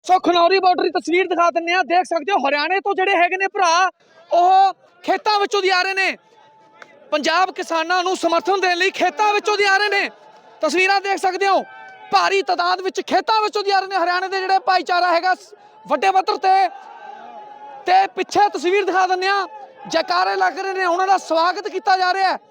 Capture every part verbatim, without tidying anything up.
सो Khanauri border की तस्वीर दिखा दिंने आ, देख सकते हो हरियाणे तो ਜਿਹੜੇ ਹੈਗੇ ਨੇ ਭਰਾ ਉਹ ਖੇਤਾਂ ਵਿੱਚੋਂ ਦੀ ਆ ਰਹੇ ਨੇ, पंजाब किसानों ਨੂੰ समर्थन देने ਲਈ ਖੇਤਾਂ ਵਿੱਚੋਂ ਦੀ ਆ ਰਹੇ ਨੇ। ਤਸਵੀਰਾਂ ਦੇਖ ਸਕਦੇ ਹੋ ਭਾਰੀ ਤਾਦਾਦ ਵਿੱਚ ਖੇਤਾਂ ਵਿੱਚੋਂ ਦੀ ਆ ਰਹੇ ਨੇ ਹਰਿਆਣੇ ਦੇ ਜਿਹੜੇ ਭਾਈਚਾਰਾ ਹੈਗਾ ਵੱਡੇ ਪੱਧਰ ਤੇ ਤੇ ਪਿੱਛੇ ਤਸਵੀਰ ਦਿਖਾ ਦਿੰਦੇ ਆ, ਜੈਕਾਰੇ ਲੱਗ ਰਹੇ ਨੇ, ਉਹਨਾਂ ਦਾ ਸਵਾਗਤ ਕੀਤਾ ਜਾ ਰਿਹਾ ਹੈ।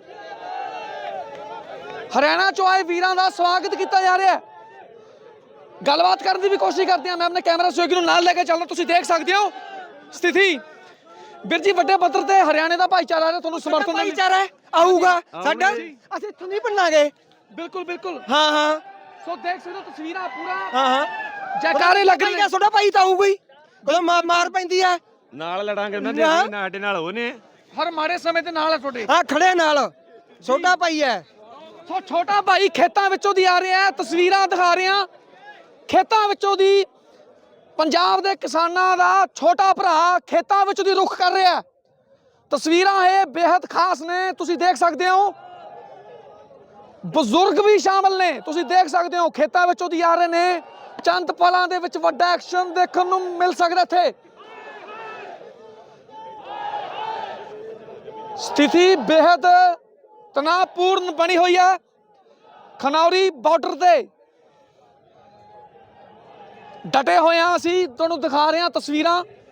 हरियाणा चो आए वीरां दा स्वागत किया जा रहा है। गलबात करने की भी कोशिश करते हैं, मैं अपने कैमरा सहयोगी नाल लेके चलना, तुसीं देख सकते हो स्थिति। ਵੀਰ ਜੀ ਵੱਡੇ ਪੱਧਰ ਤੇ ਹਰਿਆਣੇ ਦਾ ਭਾਈਚਾਰਾ ਹੈ, ਤੁਹਾਨੂੰ ਸਮਰਥਨ ਭਾਈਚਾਰਾ ਆਊਗਾ ਸਾਡਾ, ਅਸੀਂ ਇੱਥੋਂ ਨਹੀਂ ਬਣਾਂਗੇ। ਬਿਲਕੁਲ ਬਿਲकुल ਹਾਂ ਹਾਂ ਸੋ ਦੇਖ ਸਕਦੇ ਹੋ ਤਸਵੀਰਾਂ ਪੂਰਾ ਹਾਂ ਹਾਂ ਜੈਕਾਰੇ ਲੱਗ ਰਹੇ ਨੇ। ਤੁਹਾਡਾ ਭਾਈ ਤਾਂ ਆਊਗਾ ਹੀ, ਜਦੋਂ ਮਾਰ ਪੈਂਦੀ ਆ ਨਾਲ ਲੜਾਂਗੇ ਉਹਨਾਂ ਦੇ, ਅਸੀਂ ਸਾਡੇ ਨਾਲ ਉਹ ਨੇ ਹਰ ਮਾੜੇ ਸਮੇਂ ਤੇ ਨਾਲ ਹੈ ਤੁਹਾਡੇ। ਹਾਂ ਖੜੇ ਨਾਲ ਛੋਟਾ ਭਾਈ ਹੈ। ਸੋ ਛੋਟਾ ਭਾਈ ਖੇਤਾਂ ਵਿੱਚੋਂ ਦੀ ਆ ਰਿਹਾ ਹੈ, ਤਸਵੀਰਾਂ ਦਿਖਾ ਰਹੇ ਹਾਂ ਖੇਤਾਂ ਵਿੱਚੋਂ ਦੀ। ਪੰਜਾਬ ਦੇ ਕਿਸਾਨਾਂ ਦਾ ਛੋਟਾ ਭਰਾ ਖੇਤਾਂ ਵਿੱਚ ਦੀ ਰੁੱਖ ਕਰ ਰਿਹਾ। ਤਸਵੀਰਾਂ ਇਹ ਬੇहद ਖਾਸ ਨੇ, ਤੁਸੀਂ ਦੇਖ ਸਕਦੇ ਹੋ ਬਜ਼ੁਰਗ ਵੀ ਸ਼ਾਮਲ ਨੇ, ਤੁਸੀਂ ਦੇਖ ਸਕਦੇ ਹੋ ਖੇਤਾਂ ਵਿੱਚੋਂ ਦੀ ਆ ਰਹੇ ਨੇ। ਚੰਦ ਪਲਾਂ ਦੇ ਵਿੱਚ ਵੱਡਾ ਐਕਸ਼ਨ ਦੇਖਣ ਨੂੰ ਮਿਲ ਸਕਦਾ ਇੱਥੇ। ਸਥਿਤੀ ਬੇहद ਤਣਾਅਪੂਰਨ ਬਣੀ ਹੋਈ ਹੈ ਖਨੌਰੀ ਬਾਰਡਰ ਤੇ। डटे हुए हैं, असी तुहानू दिखा रहे हैं तस्वीरां।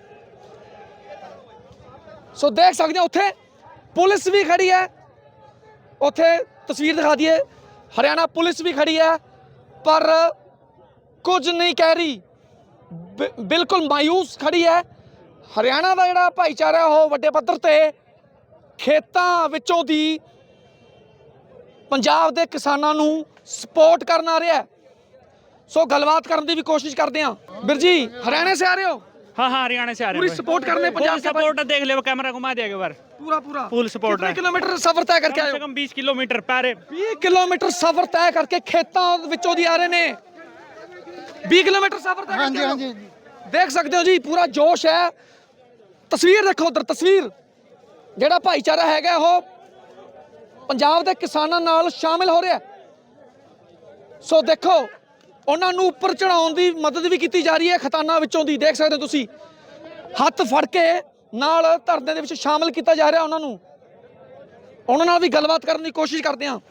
सो देख सकते हो उत्थे पुलिस भी खड़ी है, उत्थे तस्वीर दिखा दी है हरियाणा पुलिस भी खड़ी है, पर कुछ नहीं कह रही, बिल्कुल मायूस खड़ी है। हरियाणा का जिहड़ा भाईचारा वो वड्डे पद्धर ते खेतां विचों दी पंजाब दे किसानां नू सपोर्ट करन आ रहा है। सो गलबात करने की भी कोशिश करते हैं। बीर जी हरियाणा से आ रहे हो? हाँ हाँ हरियाणा से आ रहे पूरी हैं। सपोर्ट करने पंजाब के सपोर्ट देख ले, वो कैमरा घुमा दिया एक बार। पूरा पूरा फुल सपोर्ट है। किलोमीटर सफर तय करके कम आए से हो? कम बीस किलोमीटर पैरे बीस किलोमीटर सफर तय करके खेतों विचों दी आ रहे ने। बीस किलोमीटर सफर तय करके आए हो। देख सकते हो जी पूरा जोश है। तस्वीर देखो उधर, तस्वीर जेड़ा भाईचारा हैगा वो पंजाब के किसानों नाल शामिल हो रहा है। सो देखो ਉਹਨਾਂ ਨੂੰ ਉੱਪਰ ਚੜਾਉਣ ਦੀ ਮਦਦ ਵੀ ਕੀਤੀ ਜਾ ਰਹੀ ਹੈ ਖਤਾਨਾਂ ਵਿੱਚੋਂ ਦੀ। ਦੇਖ ਸਕਦੇ ਹੋ ਤੁਸੀਂ ਹੱਥ ਫੜ ਕੇ ਨਾਲ ਧਰਨੇ ਦੇ ਵਿੱਚ ਸ਼ਾਮਲ ਕੀਤਾ ਜਾ ਰਿਹਾ ਉਹਨਾਂ ਨੂੰ। ਉਹਨਾਂ ਨਾਲ ਵੀ ਗੱਲਬਾਤ ਕਰਨ ਦੀ ਕੋਸ਼ਿਸ਼ ਕਰਦੇ ਹਾਂ।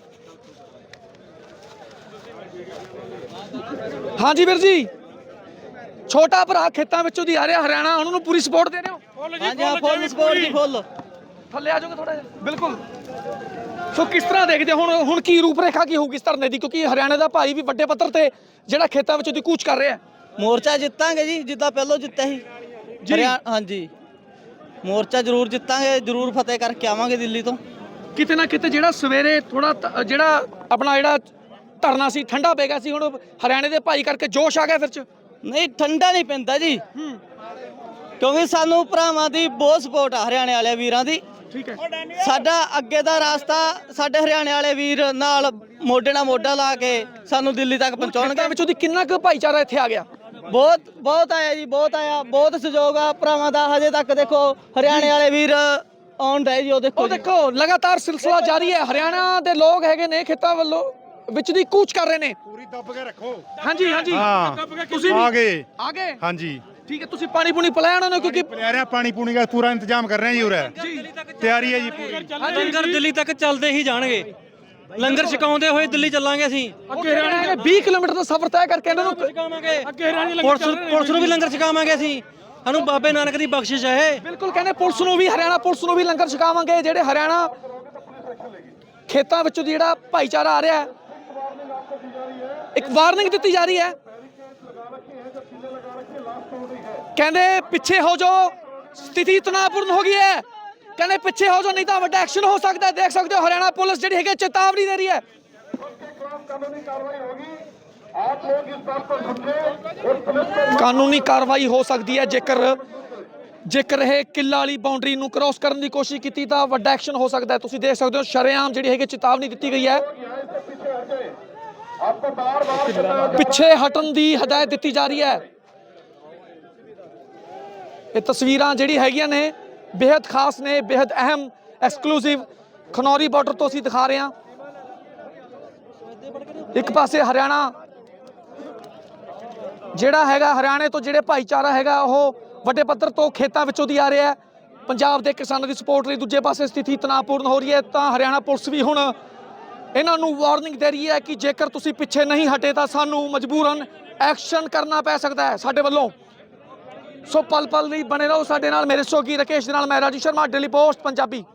ਹਾਂਜੀ ਵੀਰ ਜੀ, ਛੋਟਾ ਭਰਾ ਖੇਤਾਂ ਵਿੱਚੋਂ ਦੀ ਆ ਰਿਹਾ ਹਰਿਆਣਾ, ਉਹਨਾਂ ਨੂੰ ਪੂਰੀ ਸਪੋਰਟ ਦੇ ਰਹੇ ਹੋ? ਹਾਂਜੀ ਹਾਂ ਫੁੱਲ ਸਪੋਰਟ ਜੀ, ਫੁੱਲ। ਥੱਲੇ ਆ ਜਾਓਗੇ ਥੋੜਾ ਜਿਹਾ? ਬਿਲਕੁਲ। ਸੋ ਕਿਸ ਤਰ੍ਹਾਂ ਦੇਖਦੇ ਹੁਣ ਹੁਣ ਕੀ ਰੂਪਰੇਖਾ ਕੀ ਹੋਊਗੀ ਇਸ ਧਰਨੇ ਦੀ, ਕਿਉਂਕਿ ਹਰਿਆਣੇ ਦਾ ਭਾਈ ਵੀ ਵੱਡੇ ਪੱਧਰ ਤੇ ਜਿਹੜਾ ਖੇਤਾਂ ਵਿੱਚੋਂ ਦੀ ਕੂਚ ਕਰ ਰਿਹਾ। ਮੋਰਚਾ ਜਿੱਤਾਂਗੇ ਜੀ, ਜਿੱਦਾਂ ਪਹਿਲਾਂ ਜਿੱਤਿਆ ਸੀ ਹਰਿਆਣਾ। ਹਾਂਜੀ ਮੋਰਚਾ ਜ਼ਰੂਰ ਜਿੱਤਾਂਗੇ, ਜ਼ਰੂਰ ਫਤਿਹ ਕਰਕੇ ਆਵਾਂਗੇ ਦਿੱਲੀ ਤੋਂ। ਕਿਤੇ ਨਾ ਕਿਤੇ ਜਿਹੜਾ ਸਵੇਰੇ ਥੋੜਾ ਜਿਹੜਾ ਆਪਣਾ ਜਿਹੜਾ ਧਰਨਾ ਸੀ ਠੰਡਾ ਪੈ ਗਿਆ ਸੀ, ਹੁਣ ਹਰਿਆਣੇ ਦੇ ਭਾਈ ਕਰਕੇ ਜੋਸ਼ ਆ ਗਿਆ ਫਿਰ ਚ? ਨਹੀਂ ਠੰਡਾ ਨਹੀਂ ਪੈਂਦਾ ਜੀ, ਕਿਉਂਕਿ ਸਾਨੂੰ ਭਰਾਵਾਂ ਦੀ ਬਹੁਤ ਸਪੋਰਟ ਆ, ਹਰਿਆਣੇ ਵਾਲੇ ਵੀਰਾਂ ਦੀ। ਠੀਕ ਹੈ, ਸਾਡਾ ਅੱਗੇ ਦਾ ਰਾਸਤਾ ਸਾਡੇ ਹਰਿਆਣੇ ਵਾਲੇ ਵੀਰ ਨਾਲ ਮੋਢੇ ਨਾਲ ਮੋਢਾ ਲਾ ਕੇ ਸਾਨੂੰ ਦਿੱਲੀ ਤੱਕ ਪਹੁੰਚਾਉਣਗੇ। ਵਿੱਚੋਂ ਦੀ ਕਿੰਨਾ ਕੁ ਭਾਈਚਾਰਾ ਇੱਥੇ ਆ ਗਿਆ? ਬਹੁਤ ਬਹੁਤ ਆਇਆ ਜੀ, ਬਹੁਤ ਆਇਆ, ਬਹੁਤ ਸਹਿਯੋਗ ਆ ਭਰਾਵਾਂ ਦਾ। ਹਜੇ ਤੱਕ ਦੇਖੋ ਹਰਿਆਣੇ ਵਾਲੇ ਵੀਰ ਆਉਣ ਰਹੇ ਜੀ, ਉਹ ਦੇਖੋ ਉਹ ਦੇਖੋ ਲਗਾਤਾਰ ਸਿਲਸਿਲਾ ਜਾਰੀ ਹੈ। ਹਰਿਆਣਾ ਦੇ ਲੋਕ ਹੈਗੇ ਨੇ ਖੇਤਾਂ ਵੱਲੋਂ ਵਿੱਚ ਦੀ ਕੂਚ ਕਰ ਰਹੇ ਨੇ। ਪੂਰੀ ਦੱਬ ਕੇ ਰੱਖੋ। ਹਾਂਜੀ ਹਾਂਜੀ ਤੁਸੀਂ ਆ ਗਏ? ਆ ਗਏ ਹਾਂਜੀ ਠੀਕ ਹੈ। ਤੁਸੀਂ ਪਾਣੀ ਪੂਣੀ ਪਿਲਾਇਆ ਉਹਨਾਂ ਨੂੰ? ਕਿਉਂਕਿ ਪਿਲਾ ਰਿਹਾ ਪਾਣੀ ਪੂਣੀ ਦਾ ਪੂਰਾ ਇੰਤਜ਼ਾਮ ਕਰ ਰਹੇ ਜੀ, ਉਰੇ ਤਿਆਰੀ ਹੈ ਜੀ ਪੂਰੀ। ਲੰਗਰ ਦਿੱਲੀ ਤੱਕ ਚੱਲਦੇ ਹੀ ਜਾਣਗੇ, ਲੰਗਰ ਛਕਾਉਂਦੇ ਹੋਏ ਦਿੱਲੀ ਚੱਲਾਂਗੇ ਅਸੀਂ। ਅੱਗੇ ਹਰਿਆਣਾ ਵੀਹ ਕਿਲੋਮੀਟਰ ਦਾ ਸਫ਼ਰ ਤੈਅ ਕਰਕੇ ਇਹਨਾਂ ਨੂੰ ਛਕਾਵਾਂਗੇ, ਪੁਲਿਸ ਪੁਲਿਸ ਨੂੰ ਵੀ ਲੰਗਰ ਛਕਾਵਾਂਗੇ ਅਸੀਂ। ਸਾਨੂੰ ਬਾਬੇ ਨਾਨਕ ਦੀ ਬਖਸ਼ਿਸ਼ ਹੈ ਇਹ। ਬਿਲਕੁਲ ਕਹਿੰਦੇ ਪੁਲਿਸ ਨੂੰ ਵੀ, ਹਰਿਆਣਾ ਪੁਲਿਸ ਨੂੰ ਵੀ ਲੰਗਰ ਛਕਾਵਾਂਗੇ। ਜਿਹੜੇ ਹਰਿਆਣਾ ਖੇਤਾਂ ਵਿੱਚੋਂ ਦੀ ਜਿਹੜਾ ਭਾਈਚਾਰਾ ਆ ਰਿਹਾ ਹੈ, ਇੱਕ ਵਾਰਨਿੰਗ ਦਿੱਤੀ ਜਾ ਰਹੀ ਹੈ। ਕਹਿੰਦੇ ਪਿੱਛੇ ਹੋ ਜਾਓ, ਸਥਿਤੀ ਤਣਾਅਪੂਰਨ ਹੋ ਗਈ ਹੈ। ਕਹਿੰਦੇ ਪਿੱਛੇ ਹੋ ਜਾਓ ਨਹੀਂ ਤਾਂ ਵੱਡਾ ਐਕਸ਼ਨ ਹੋ ਸਕਦਾ ਹੈ। ਦੇਖ ਸਕਦੇ ਹੋ ਹਰਿਆਣਾ ਪੁਲਿਸ ਜਿਹੜੀ ਹੈਗੀ ਚੇਤਾਵਨੀ ਦੇ ਰਹੀ ਹੈ। ਕਾਨੂੰਨੀ ਕਾਰਵਾਈ ਹੋ ਸਕਦੀ ਹੈ ਜੇਕਰ ਜੇਕਰ ਇਹ ਕਿੱਲਾ ਵਾਲੀ ਬਾਉਂਡਰੀ ਨੂੰ ਕ੍ਰੋਸ ਕਰਨ ਦੀ ਕੋਸ਼ਿਸ਼ ਕੀਤੀ ਤਾਂ ਵੱਡਾ ਐਕਸ਼ਨ ਹੋ ਸਕਦਾ ਹੈ। ਤੁਸੀਂ ਦੇਖ ਸਕਦੇ ਹੋ ਸ਼ਰੇਆਮ ਜਿਹੜੀ ਹੈਗੀ ਚੇਤਾਵਨੀ ਦਿੱਤੀ ਗਈ ਹੈ, ਪਿੱਛੇ ਹਟਣ ਦੀ ਹਦਾਇਤ ਦਿੱਤੀ ਜਾ ਰਹੀ ਹੈ। ਇਹ ਤਸਵੀਰਾਂ ਜਿਹੜੀ ਹੈਗੀਆਂ ਨੇ बेहद खास ने, बेहद अहम एक्सक्लूसिव खनौरी बॉर्डर तो असीं दिखा रहे हैं। एक पासे हरियाणा ਜਿਹੜਾ ਹੈਗਾ ਹਰਿਆਣੇ ਤੋਂ ਜਿਹੜੇ ਭਾਈਚਾਰਾ ਹੈਗਾ ਉਹ ਵੱਡੇ ਪੱਧਰ ਤੋਂ ਖੇਤਾਂ ਵਿੱਚੋਂ ਦੀ ਆ ਰਿਹਾ ਹੈ। ਪੰਜਾਬ ਦੇ ਕਿਸਾਨਾਂ ਦੀ ਸਪੋਰਟ ਲਈ ਦੂਜੇ ਪਾਸੇ ਸਥਿਤੀ ਤਣਾਅਪੂਰਨ ਹੋ ਰਹੀ ਹੈ, ਤਾਂ ਹਰਿਆਣਾ ਪੁਲਿਸ ਵੀ ਹੁਣ ਇਹਨਾਂ ਨੂੰ ਵਾਰਨਿੰਗ ਦੇ ਰਹੀ ਹੈ ਕਿ ਜੇਕਰ ਤੁਸੀਂ ਪਿੱਛੇ ਨਹੀਂ ਹਟੇ ਤਾਂ ਸਾਨੂੰ ਮਜਬੂਰਨ ਐਕਸ਼ਨ ਕਰਨਾ ਪੈ ਸਕਦਾ ਹੈ ਸਾਡੇ ਵੱਲੋਂ। ਸੋ ਪਲ ਪਲ ਲਈ ਬਣੇ ਰਹੋ ਸਾਡੇ ਨਾਲ। ਮੇਰੇ ਸਹਿਯੋਗੀ ਰਾਕੇਸ਼ ਦੇ ਨਾਲ ਮੈਂ ਰਾਜੂ ਸ਼ਰਮਾ, ਡੇਲੀ ਪੋਸਟ ਪੰਜਾਬੀ।